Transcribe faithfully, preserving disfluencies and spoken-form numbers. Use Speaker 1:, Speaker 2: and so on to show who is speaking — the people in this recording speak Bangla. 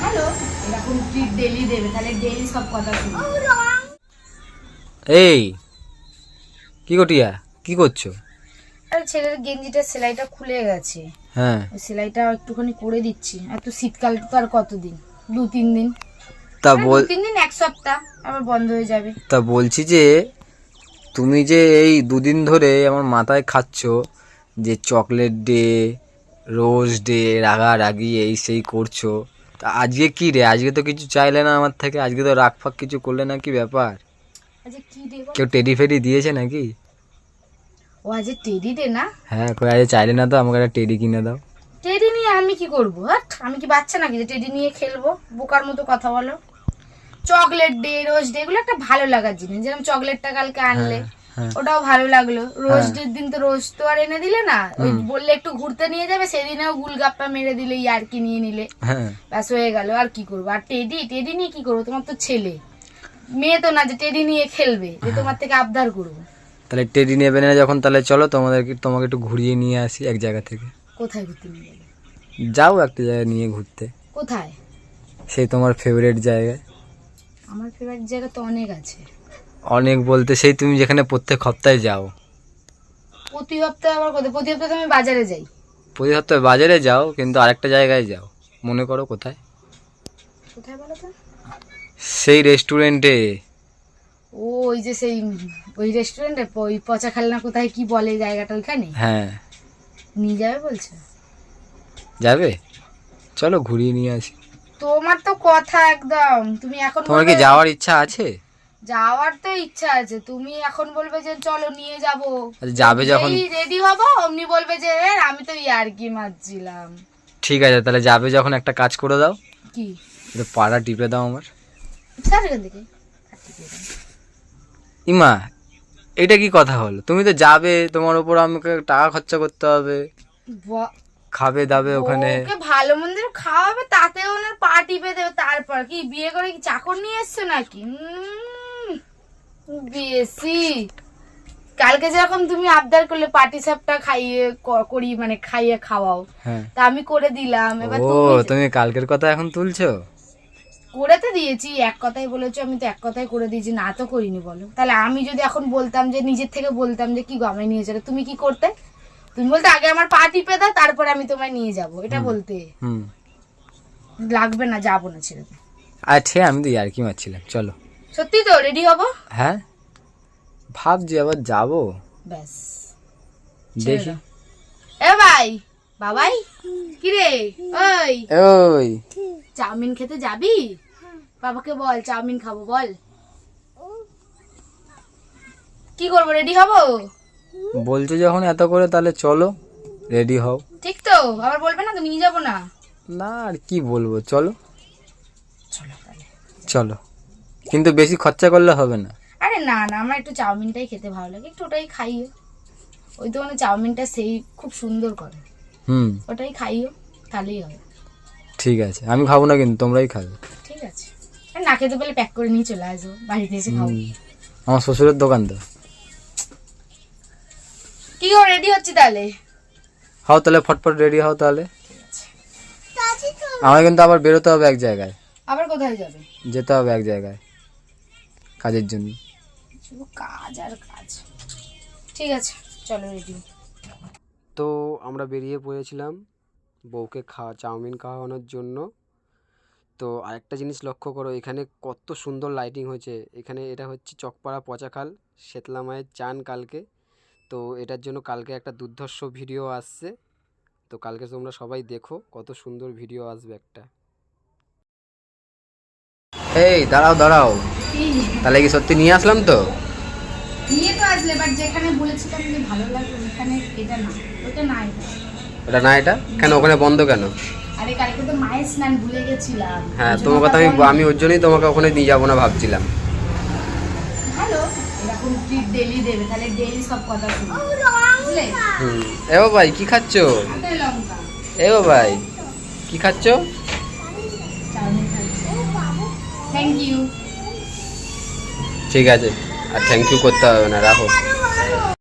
Speaker 1: হ্যালো এরকম ট্রিট ডেইলি দেবে, তাহলে ডেইলি সব কথা শুনবে।
Speaker 2: এই কি গটিয়া কি করছো?
Speaker 1: আরে ছেলের গেঞ্জিটার সেলাইটা খুলে গেছে,
Speaker 2: হ্যাঁ
Speaker 1: ওই সেলাইটা একটুখানি করে দিচ্ছি। আর তো শীতকাল তো আর কতদিন, দু তিন দিন,
Speaker 2: তা
Speaker 1: আরে
Speaker 2: বল
Speaker 1: দু তিন দিন এক সপ্তাহ আবার বন্ধ হয়ে যাবে।
Speaker 2: তা বলছি যে তুমি যে এই দুদিন ধরে আমার মাথায় খাচ্ছ যে চকলেট ডে, রোজ ডে, রাগারাগি এই সেই করছো, তা আজকে কি রে? আজকে তো কিছু চাইলে না আমার থেকে, আজকে তো রাগ ফাগ কিছু করলে না, কি ব্যাপার?
Speaker 1: আচ্ছা কি ডে বল?
Speaker 2: কেউ টেডি ফেডি দিয়েছে নাকি?
Speaker 1: ও আজ টেডি ডে না?
Speaker 2: হ্যাঁ কই আজ চাইলে না তো আমাকে একটা টেডি কিনে দাও।
Speaker 1: টেডি নিয়ে আমি কি করবো? হাট, আমি কি বাচ্চা নাকি যে টেডি নিয়ে খেলবো? বোকার মতো কথা বলো। চকলেট ডে, রোজ ডে এগুলো একটা ভালো লাগার জিনিস। যেরকম চকলেটটা কালকে আনলে
Speaker 2: হ্যাঁ
Speaker 1: ওটাও ভালো লাগলো। রোজ
Speaker 2: হ্যাঁ।
Speaker 1: ডের দিন তো রোজ তো আর এনে দিলে না, ওই
Speaker 2: হুম।
Speaker 1: বললে একটু ঘুরতে নিয়ে যাবে, সেদিনেও গুলগাপ্পা মেরে দিলে, ইয়ার্কি নিয়ে নিলে,
Speaker 2: হ্যাঁ
Speaker 1: ব্যাস হয়ে গেল। আর কি করবো? আর টেডি টেডি নিয়ে কি করবো? তোমার তো ছেলে মেয়ে তো না যে টেডি নিয়ে খেলবে, যে তোমার থেকে আবদার করবো।
Speaker 2: তাহলে টেডি নেবে না যখন, তাহলে চলো তোমাদেরকে তোমাকে একটু ঘুরিয়ে নিয়ে আসি এক জায়গা থেকে।
Speaker 1: কোথায় ঘুরতে নিয়ে যাবে?
Speaker 2: যাও একটা জায়গায় নিয়ে ঘুরতে,
Speaker 1: কোথায়?
Speaker 2: সেই তোমার ফেভারিট জায়গায়।
Speaker 1: আমার ফেভারিট জায়গা তো অনেক আছে।
Speaker 2: অনেক বলতে সেই তুমি যেখানে প্রত্যেক সপ্তাহে যাও।
Speaker 1: প্রতি সপ্তাহে আবার কোথায়? প্রতি সপ্তাহে তো আমি বাজারে যাই।
Speaker 2: প্রতি সপ্তাহে বাজারে যাও, কিন্তু আরেকটা জায়গায় যাও। মনে করো কোথায়?
Speaker 1: কোথায় বলো তো?
Speaker 2: সেই রেস্টুরেন্টে।
Speaker 1: ও ওই যে সেই ওই রেস্টুরেন্টে, ওই পচা খালনা কোথায় কি বলে জায়গাটা, ওইখানে
Speaker 2: হ্যাঁ
Speaker 1: নিয়ে যাবে বলছো?
Speaker 2: যাবে, চলো ঘুরিয়ে নিয়ে আসি।
Speaker 1: তোমার তো কথা একদম, তুমি এখন
Speaker 2: তোমার কি
Speaker 1: বলবে-
Speaker 2: যাওয়ার ইচ্ছা আছে?
Speaker 1: যাওয়ার তো ইচ্ছা আছে, তুমি এখন বলবে যে চলো নিয়ে যাবো,
Speaker 2: আচ্ছা, যাবে যখন
Speaker 1: রেডি হবো অমনি বলবে যে "এ, আমি তো ইয়ার্কি মারছিলাম"।
Speaker 2: ঠিক আছে, তাহলে যাবে যখন একটা কাজ করে দাও,
Speaker 1: কি?
Speaker 2: একটু পাড়া টিপে দাও আমার।
Speaker 1: স্যার এখান থেকে
Speaker 2: ইমা, এটা কি কথা হলো? তুমি তো যাবে, তোমার উপর আমাকে টাকা খরচা করতে হবে,
Speaker 1: ব-
Speaker 2: খাবে দাবে ওখানে।
Speaker 1: ওকে ভালো মন্দির খাওয়াবে, তাতে ওনার পা টিপে দেবে। তারপর কি বিয়ে করে কি চাকর নিয়ে এসছো নাকি? উম, বেশি। কালকে যেরকম তুমি আবদার করলে পাটি সাপটা খাইয়ে ক- করি, মানে খাইয়ে খাওয়াও,
Speaker 2: হ্যাঁ।
Speaker 1: তা আমি করে দিলাম। এবার
Speaker 2: ও
Speaker 1: তুমি
Speaker 2: তুমি কালকের কথা এখন তুলছো?
Speaker 1: করে তো দিয়েছি, এক কথাই বলেছো, আমি তো এক কথাই করে দিয়েছি, না তো করিনি বলো। তাহলে আমি যদি এখন বলতাম যে নিজের থেকে বলতাম যে কি গো আমায় নিয়ে চলো, তুমি কি করতে? তুমি বলতে আগে আমার পা টিপে দাও, তারপরে আমি তোমায় নিয়ে যাব, এটা বলতে।
Speaker 2: হুম।
Speaker 1: লাগবে না, যাবো না, ছেড়ে দে।
Speaker 2: আচ্ছা আমি তো আর কি মারছিলাম, চলো।
Speaker 1: সত্যি তো রেডি হবো?
Speaker 2: হ্যাঁ ভাবছি আবার যাবো,
Speaker 1: ব্যাস
Speaker 2: দেখি।
Speaker 1: এ ভাই, বাবাই, কি রে? ওই
Speaker 2: ওই
Speaker 1: চাউমিন খেতে যাবি? বাবাকে বল চাউমিন খাবো, বল। কি করবো, রেডি হবো?
Speaker 2: বলছো যখন এত করে, তাহলে চলো রেডি হও।
Speaker 1: ঠিক তো? আবার বলবে না তো নিয়ে যাবো না?
Speaker 2: না আর কি বলবো, চলো
Speaker 1: চলো তাহলে।
Speaker 2: চলো, কিন্তু বেশি খরচা করলে হবে না।
Speaker 1: আরে না না, আমার একটু চাউমিনটাই খেতে ভালো লাগে, একটু ওটাই খাইও। ওই দোকানে চাউমিনটা সেই খুব সুন্দর করে,
Speaker 2: হুম
Speaker 1: ওটাই খাইও, তাহলেই হবে।
Speaker 2: ঠিক আছে, আমি খাবো না কিন্তু তোমরাই খাবে।
Speaker 1: ঠিক আছে, আর না খেতে পেলে প্যাক করে নিয়ে চলে আসবো, বাড়িতে এসে খাবো।
Speaker 2: হুম, আমার শ্বশুরের দোকান তো।
Speaker 1: কি গো, রেডি হচ্ছি তাহলে?
Speaker 2: হও তাহলে, ফটফট রেডি হও তাহলে। আমার কিন্তু আবার বেরোতে হবে এক জায়গায়,
Speaker 1: আবার কোথায় যাবে?
Speaker 2: যেতে হবে এক জায়গায় কাজের জন্য।
Speaker 1: শুধু কাজ আর কাজ। ঠিক আছে চলো, রেডি।
Speaker 3: তো আমরা বেরিয়ে পড়েছিলাম বউকে খাওয়া চাউমিন খাওয়ানোর জন্য। তো আরেকটা জিনিস লক্ষ্য করো, এখানে কত সুন্দর লাইটিং হয়েছে। এখানে এটা হচ্ছে চকপাড়া পচাখাল শেতলা মায়ের চান কালকে। তো এটার জন্য কালকে একটা দুর্ধর্ষ ভিডিও আসছে, তো কালকে তোমরা সবাই দেখো, কত সুন্দর ভিডিও আসবে একটা।
Speaker 2: এই দাঁড়াও দাঁড়াও, তাহলে কি সত্যি নিয়ে আসলাম তো?
Speaker 1: নিয়ে তো আসলে, বাট যেখানে বলেছিলাম যে ভালো লাগবে ওখানে এটা না, ওটা না, এটা।
Speaker 2: ওটা না, এটা কেন ওখানে বন্ধ কেন?
Speaker 1: আরে কালকে তো মায়ের স্নান ভুলে গেছিলাম।
Speaker 2: হ্যাঁ
Speaker 1: ওই জন্য
Speaker 2: তোমার কথা আমি
Speaker 1: ওটা বন্ধ।
Speaker 2: আমি ওর জন্যই তোমাকে ওখানে নিয়ে যাবো না ভাবছিলাম।
Speaker 1: ভালো, এরকম ট্রিট ডেইলি দেবে, তাহলে ডেইলি সব কথা শুনবে, বুঝলে?
Speaker 2: হুম। এ ভাই কি খাচ্ছো?
Speaker 1: হাতে লঙ্কা।
Speaker 2: এ ভাই কি খাচ্ছো?
Speaker 1: চাউমিন খাচ্ছি। Thank you.
Speaker 2: ঠিক আছে, আর থ্যাংক ইউ করতে হবে না, রাখো।